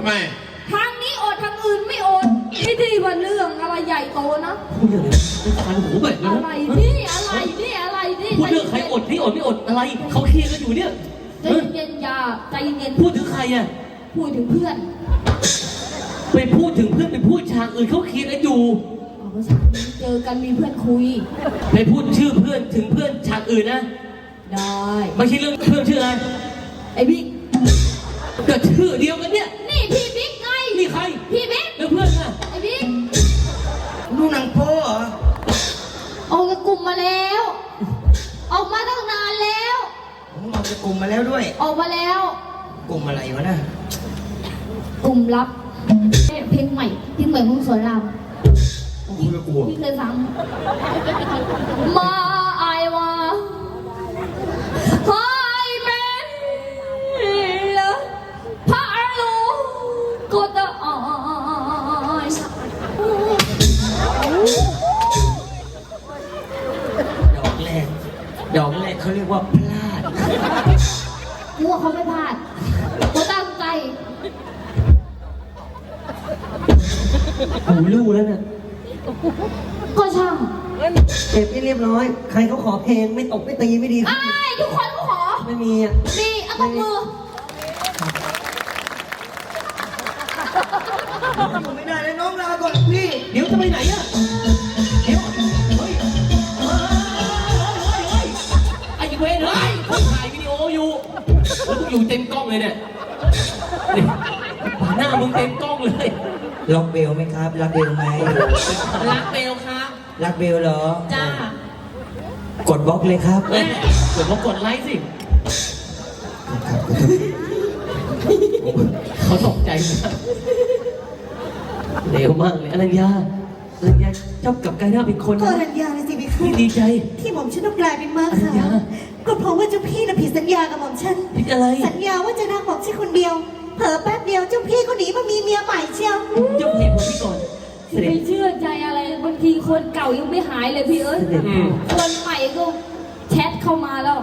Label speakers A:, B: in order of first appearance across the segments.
A: ำไม
B: ทางนี้อดทางอื่นไม่อดไม่ดีว่าเรื่องอะไรใหญ่โตนะ
C: พูดเรื่องอะไรฟันหูเบ็ดเลย
B: อะไรนี่อะไรนี่อะไรนี่
C: พูดเรื่องใครอดนี่อดไม่อดอะไรเขาเคลียร์กันอยู่เนี่ย
B: ใจเย็นๆอย่าใจเย็น
C: ๆพูดถึงใครอ่ะ
B: พูดถึงเพื่อน
C: ไปพูดถึงเพื่อนไปพูดฉากอื่นเขาเคลียร์กันอยู่
B: ภาษาเจอกันมีเพื่อนคุย
C: ไปพูดชื่อเพื่อนถึงเพื่อนฉากอื่นนะ
B: ได้
C: ไม่ใช่เรื่องเพื่อนชื่ออะไร
B: ไอ้บิ๊ก
C: ก็ชื่อเดียวกันเนี่ย
B: นี่พี่บิ๊กไง
C: นี่ใคร
B: พี่บิ๊ก
C: แล้วเพื่อนน่ะ
B: ไอ้บิ๊ก
A: ดูหนังโป๊เหรอ
B: ออกจากกลุ่มมาแล้วออกมาตั้งนานแล้ว
A: ผมออกจากกลุ่มมาแล้วด้วย
B: ออกมาแล้ว
A: กลุ่มอะไรวะน่ะ
B: กลุ่มลับเพลงใหม่ของสอนราม
A: พี่ก็กลัว
B: พี่เคยฟังมาไอวาไฮเมนละพาลูก็จะอ่อย
A: ดอกแรกเขาเรียกว่าพลาด
B: มัวเขาไม่พลาดเขาตั้งใจ
C: หูลู่แล้วน่ะ
B: ก็ช่าง
C: เก็บให้เรียบร้อยใครเขาขอเพลงไม่ตกไม่ตีไม่ดี
B: ทุกคนก็ขอ
C: ไม่มีอ่ะ
B: มีเอาตบมือ
A: ไม่ได้เลยน้องลาก่อนพี่
C: เดี๋ยวจะไปไหนอ่ะเดี๋ยวเฮ้ยไอ้เวรเฮ้ยคนถ่ายวิดีโออยู่แล้วกูอยู่เต็มกล้องเลยเนี่ยหน้ามึงเต็มกล้องเลย
A: รักเบลไหมครับรักเบลไหม
C: รักเบลครับ
A: รักเบลเหรอ
C: จ้าก
A: ดบล็อกเลยครับ
C: กดกดไลค์สิเขาตกใจมากเร็วมากเลยอรัญญาชอบกับกายหน้าเป็นคน
D: ก็อรัญญาเลยสิพี่คะ
C: ดีใจ
D: ที่หม่อมฉันต้องกลายเป็นม้าขาวก็เพราะว่าเจ้าพี่น่ะผิดสัญญากับหม่อมฉัน
C: ผิดอะไร
D: สัญญาว่าจะรักหม่อมฉันคนเดียวเผลอแป๊บเดียวเจ้าพี่ก็หนีมามีเมียใหม่เชียว
C: เจ้าพี่ผมพี่ก่อน
B: ไม่เชื่อใจอะไรบางทีคนเก่ายังไม่หายเลยพี่เอ้ยคนใหม่ก็แชทเข้ามาแล้ว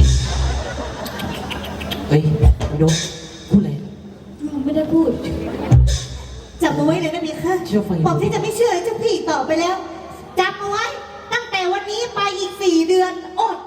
C: เฮ้ยยกพูดอะไร
B: ไม่ได้พูด
D: จำเอาไว้เลยนะพี่คะบอกที่จะไม่เชื่อเจ้าพี่ต่อไปแล้วจำเอาไว้ตั้งแต่วันนี้ไปอีก4 เดือนอด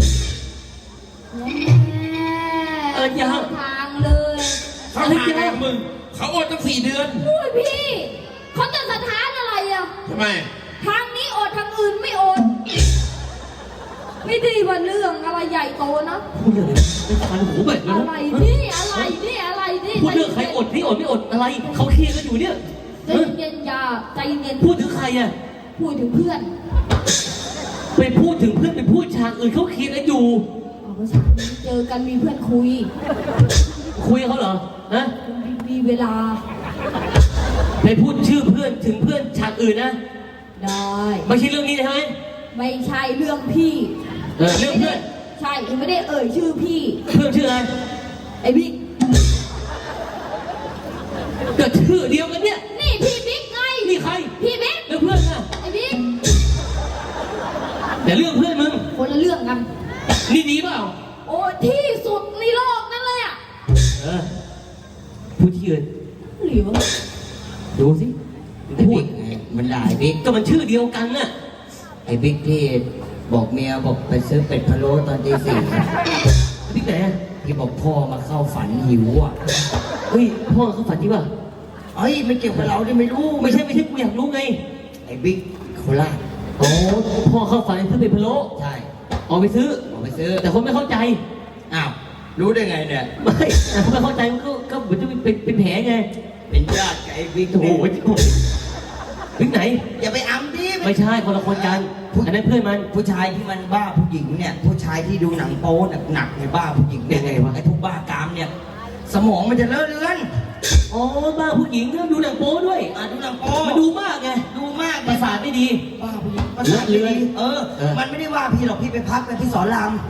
C: ยัง
B: ทางเลย
A: เขาทางมึงเขาอดตั้ง4 เดือน
B: อุ้ยพี่เขาจะสถานอะไรอ่ะ
A: ทำไม
B: ทางนี้อดทางอื่นไม่อดไม่ดีว่าเรื่องอะไรใหญ่โตนะ
C: พูดเรื่องอะไรฟันหูเบ็ดเลย
B: อะไรนี่อะไรนี่อะไรนี่
C: พูดเรื่องใครอดนี่อดไม่อดอะไรเขาเคลียร์กันอยู่เนี่ย
B: ใจเย็นอย่าใจเย็น
C: พูดถึงใครอ่ะ
B: พูดถึงเพื่อน
C: ไปพูดถึงเพื่อนไปพูดฉากอื่นเขาเคลียร์กันอยู่
B: ภาษาเจอกันมีเพื่อนคุย
C: เขาเหรอฮะ
B: มีเวลา
C: ไปพูดชื่อเพื่อนถึงเพื่อนฉากอื่นนะ
B: ได้
C: ไม่ใช่เรื่องนี้ใช่ไหม
B: ไม่ใช่เรื่องพี่
C: เรื่องเพื่อน
B: ใช่ไม่ได้เอ่ยชื่อพี่
C: เพื่อนชื่ออะไร
B: ไอ้บิ๊ก
C: ก็ชื่อเดียวกันเนี่ย
B: นี่พี่บิ๊กไง
C: นี่ใคร
B: พี่บิ๊ก
C: แล้วเพื่อนน่ะ
B: ไอ้บิ๊ก
C: แต่เรื่องเพื่อนมึง
B: คนละเรื่องกัน
C: นี่ดีเปล่า
B: โอ้ที่สุดในโลกนั่นเลยอ่ะ
C: พูดที่อื่น
B: หรือวะ
C: ดูสิ
A: พูดมันได้บิ๊ก
C: ก็มันชื่อเดียวกันน่ะ
A: ไอ้บิ๊กที่บอกเมียบอกไปซื้อเป็ดพะโล้ตอนตี 4
C: บิ๊กไหน
A: ที่บอกพ่อมาเข้าฝันหิวอ่ะ
C: เฮ้ยพ่อเขาฝันที่ว่า
A: เฮ้ยไม่เกี่ยวกับเราที่ไม่รู้
C: ไม่ใช่กูอยากรู้ไง
A: ไอ้บิ๊กโคราช
C: โอ้พ่อเข้าฝันซื้อเป็ดพะโล้
A: ใช่
C: ออกไปซื้อแต่คนไม่เข้าใจ
A: อ้าวรู้ได้ไงเนี่ย
C: ไม่แต่คนไม่เข้าใจมันก็เหมือนจะเป็นแผลไง
A: เป็นญาติกับไอ้บิ๊ก
C: โอ้โหบิ๊กไหน
A: อย่าไปอ้ำดิ
C: ไม่ใช่คนละคนกันอันนั้นเพื่อนมัน
A: ผู้ชายที่มันบ้าผู้หญิงเนี่ยผู้ชายที่ดูหนังโป๊หนักในบ้าผู้หญิง
C: ยังไงวะ
A: ไอ้พวกบ้ากามเนี่ยสมองมันจะเลอะเลือน
C: อ๋อบ้าผู้หญิงก็ดูหนังโป๊ด้วย
A: ดูหนังโป๊
C: มันดูมากไง
A: ดูมาก
C: ประสาทไม่ดี
A: บ้าผู้หญิงประสาทเลือนมันไม่ได้ว่าพี่หรอกพี่ไปพักไปที่สอนราม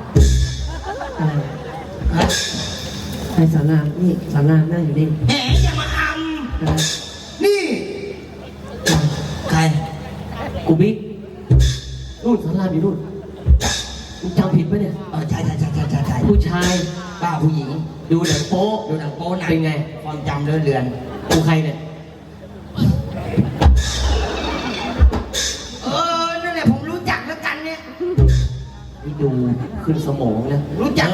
C: ไอ้สอนรามนี่สอนรามนั่งอยู่นี่
A: แหมอย่ามาอ้ำนี่ใคร
C: กูบิ๊กนู่นสอนรามอยู่นู่นมึงจำผิดปะเนี่ย
A: ใช่
C: ผู้ชาย
A: บ้าผู้หญิง
C: ดูหนังโป๊
A: ดูหนังโป๊หนัง
C: เป็นไง
A: ความจำเลื่อนเลือน
C: กูใครเนี่ย
A: นั่นแหละผมรู้จักแล้วกันเนี่ย
C: นี่ดูขึ้นสมองนะ
A: รู้จัก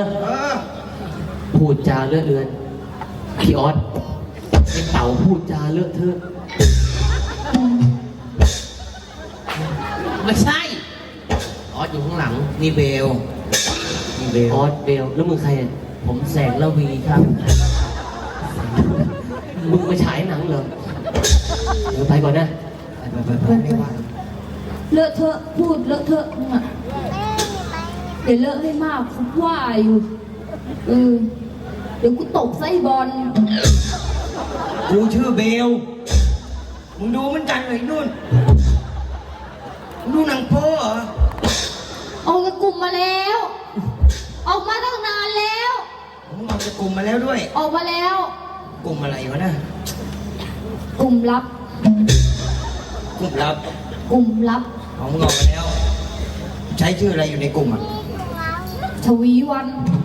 C: พูดจาเลอะเลือนพี่ออสไอ้เต่าพูดจาเลอะเทอะ
A: ไม่ใช่ออสอยู่ข้างหลังนี่เบลนี่เบล
C: ออสเบลแล้วมึงใครอ่ะ
A: ผมแสงละวีครับ
C: มึงมาฉายหนังเหรอเดี๋ยวไปก่อนนะ
A: ไปไม่ว่า
B: เลอะเทอะพูดเลอะเทอะมึงอะเดี๋ยวเลอะให้มากเขาว่าอยู่เดี๋ยวกูตกไส้บอล
A: กูชื่อเบลมึงดูเหมือนกันเลยนู่นดูหนังโป๊เหรอ
B: ออกจากกลุ่มมาแล้ว ออกมาตั้งนานแล้ว
A: ผมออกจากกลุ่มมาแล้วด้วย
B: ออกมาแล้ว
A: กลุ่มอะไรวะน่ะ
B: กลุ่มลับ
A: กลุ่มลับ
B: กลุ่มลับ
A: ของมึงออกมาแล้ว ใช้ชื่ออะไรอยู่ในกลุ่มอ่ะ
B: ชวีวัน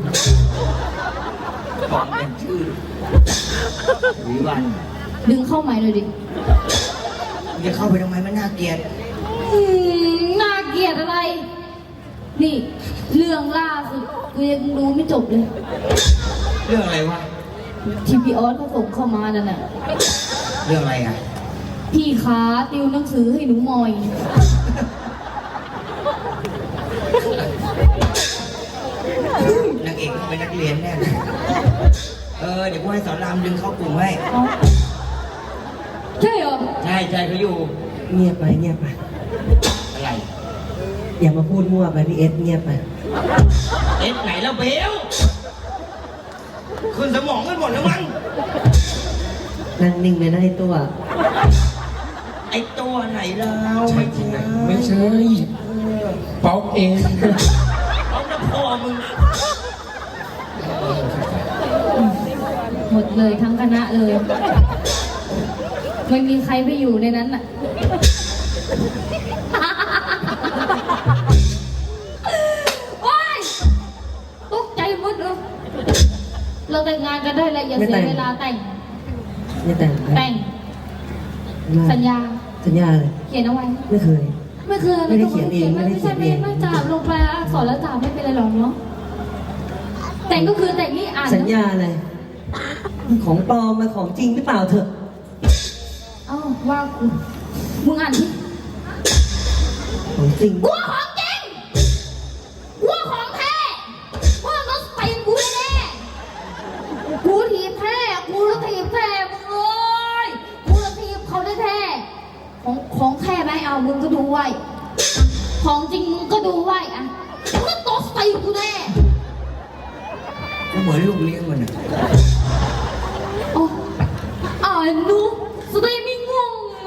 A: บอกเป็นชื่อวิวัน
B: ดึงเข้าใหม่เลยดิ
A: มึงจะเข้าไปทำไมมันน่าเกลียด
B: น่าเกลียดอะไร นี่ เรื่องล่าสุดกูยังดูไม่จบเลย
A: เรื่องอะไรวะ
B: ที่พี่ออสเขาส่งเข้ามานั่นน่ะ
A: เรื่องอะไรอ่ะ
B: พี่ขาติวหนังสือให้หนูมอย
A: นางเอกต้องเป็นนักเรียนแน่เลยเดี๋ยวกูให้สอนรามดึงเข้ากลุ่มให้
B: ใช่เหรอ
A: ใช่เขาอยู่
E: เงียบไปเงียบไป
A: อะไร
E: อย่ามาพูดมั่วไปพี่เอสเงียบไป
A: เอ็ดไหนแล้วเบลขึ้นสมองกันหมดแล้วมั้ง
E: นั่งนิ่งเลยนะไอ้ตัว
A: ไอตัวไหนเราไม่ใช่
F: ไม่ใช่ป๊อกเอง
A: เอาหน้าพ่อมึง
B: หมดเลยทั้งคณะเลย ไม่มีใครไปอยู่ในนั้นน่ะ โอ๊ยตกใจหมดเลยเราแต่งงานกันได้แล้วอย่าเสียเวลาแต่ง
E: ไม่แต่งนะ
B: แต่ง สัญญา
E: สัญญาเลย
B: เขียนเอาไว้
E: ไม่เคย
B: ไม่เคย
E: ไม่ได้เขียนเองไม่ได้
B: ไม่
E: เขี
B: ใช่
E: ยน
B: ไม่
E: เอง
B: ไม่จ่าลงไปอักษรแล้วจ่าไม่เป็นไรหรอกเนาะ แต่งก็คือแต่งนี่อ่าน
E: สัญญาอะไรของปลอมมาของจริงหรือเปล่าเถอะ
B: เอ้าว่ากูมึงอ่านที่
E: ของจริง
B: กูว่าของจริงกูว่าของแท้กูว่าต้องตีนกูแน่ๆกูถีบแท้กูจะถีบแท้มึงเอ้ยกูจะถีบเขาได้แท้ของแท้ไหมเอามึงก็ดูไว้ ของจริงมึงก็ดูไว้อะมึงก็ตบตีนกูแน่
A: กูเหมือนลูกเลี้ยงมันอ่ะ
B: โอ้อ่านหนูแสดงไม่ง่วงหนู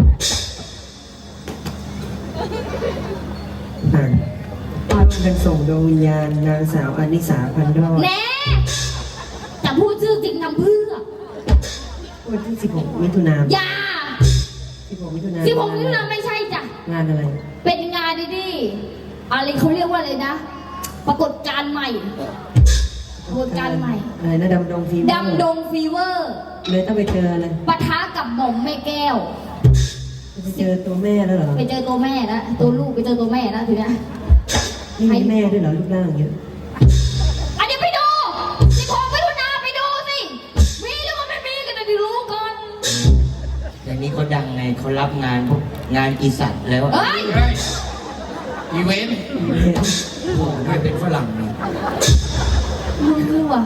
E: อ่านร่วมกันส่งดวงวิญญาณนางสาวอนิสาพันดอด
B: แน่จะพูดชื่อจริงทำเพื่อ
E: วันที่ 16 มิถุนายน
B: อย่า
E: 16 มิถุนายน
B: ที่ผมนี่นะไม่ใช่จ้ะ
E: งานอะไร
B: เป็นงานดีๆอะไรเขาเรียกว่าอะไรนะ ปรากฏการณ์ใหม่ ปรากฏการณ์ใหม่
E: อะไรนะดำดงฟีเวอร์
B: ดำดงฟีเวอร์
E: เลยต้องไปเจออะไร
B: ปะทะกับหม่อมแม่แก้ว
E: ไปเจอตัวแม่แล้วเหรอ
B: ไปเจอตัวแม่แล้วตัวลูกไปเจอตัวแม่แล้วทีเนี้ย
E: นี่มีแม่ด้วยเหรอรูปร่างอย่างเงี้ย
B: อันนี้ไปดูสิผมไปดูนาไปดูสิมีหรือว่าไม่มีกันนะดิรู้ก่อน
A: แต่นี้เขาดังไงเขารับงานพวกงานอีสัตว์แล้ว
B: เอ้ย
F: อีเวนต์
A: โอ้ไม่เป็นฝรั่งนี่
B: มึงนี่ว่ะ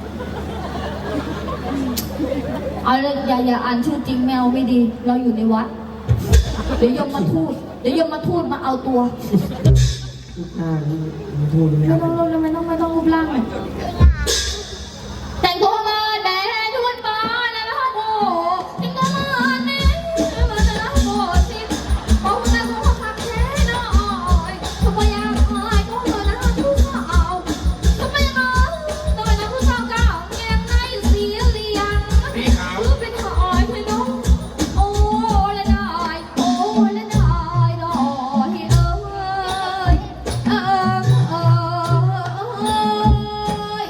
B: เอาเลยอย่าอ่านชื่อจริงแมวไม่ดี เราอยู่ในวัด เดี๋ยวยมมาทูตมาเอาตัว
E: รูปร่างนี่มันพูดไม่
B: ไม่
E: ได้
B: ต้องรูปร่างเลยแต่งตัวมาแดงทุนมาในพระโบแต่งตัวมาแดงมาในพระโบสิมองในหัวผักแท้น้อยทำไมอยากหายก็เธอนะผู้สาวทำไมนะผู้สาวเก่าแกงในสีเหลือง
F: พี่ขาว
B: เป็นหอยพี่น้องโอ้ละได้โอ้ละได้ดอกเอ้ย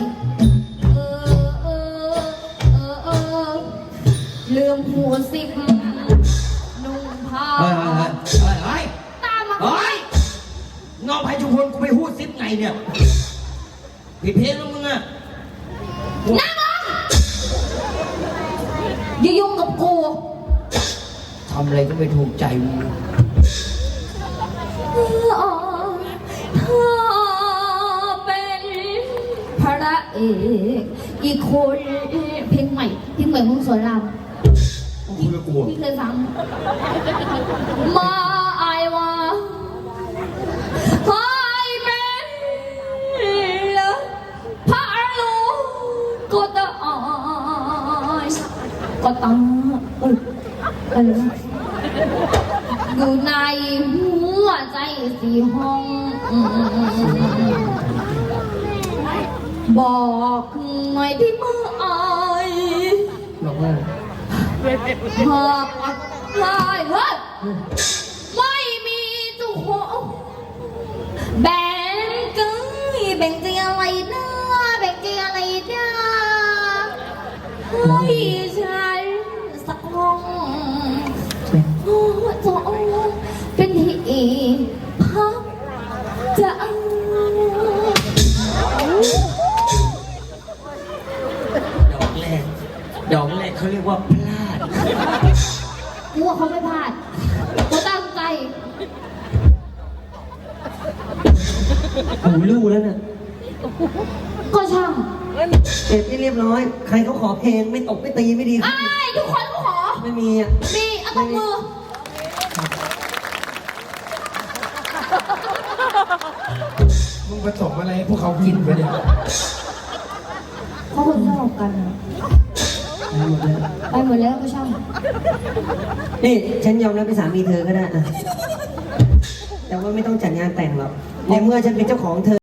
A: ผิดเพลงแล้วมึงอะ
B: นั่งลงอย่ายุ่งกับกู
A: ทำอะไรก็ไม่ถูกใจมึง
B: ถ้าเป็นพระเอกอีกคนเพลงใหม่ของสอนราม
F: คุยกับกู
B: พี่เคยฟังมาไอวาไอเป็นละพระลูกก็ตายก็ตายอะไรนะอยู่ในหัวใจสี่ห้องบอกหน่อยพี่มือไอ
C: บอกว่า
B: หากอักลายเฮ้ยไม่มีเจุหงแบ่งกันแบ่งใจอะไรนะแบ่งใจอะไรนะให้ฉันสักห้องโอ้จอเป็นที่พักใจ
A: ดอกแรกเขาเรียกว่าพลาด
B: กูว่าเขาไม่พลาดเขาตั้งใจ
C: หูลู่แล้วน่ะ
B: ก็ช่าง
C: เสร็จที่เรียบร้อย ใครเขาขอเพลงไม่ตกไม่ตีไม่ดี
B: ไอ้ายทุกคนก็ขอ
C: ไม่มีอ่ะ
B: มีเอาตบมือ
F: มึงผสมอะไรให้พวกเขากินไปเนี่ย
B: เขาคนชอบกันอะไปหมดแล้วก็ช่าง
C: นี่ฉันยอมรับเป็นสามีเธอก็ได้อะแต่ว่าไม่ต้องจัดงานแต่งหรอกในเมื่อฉันเป็นเจ้าของเธอ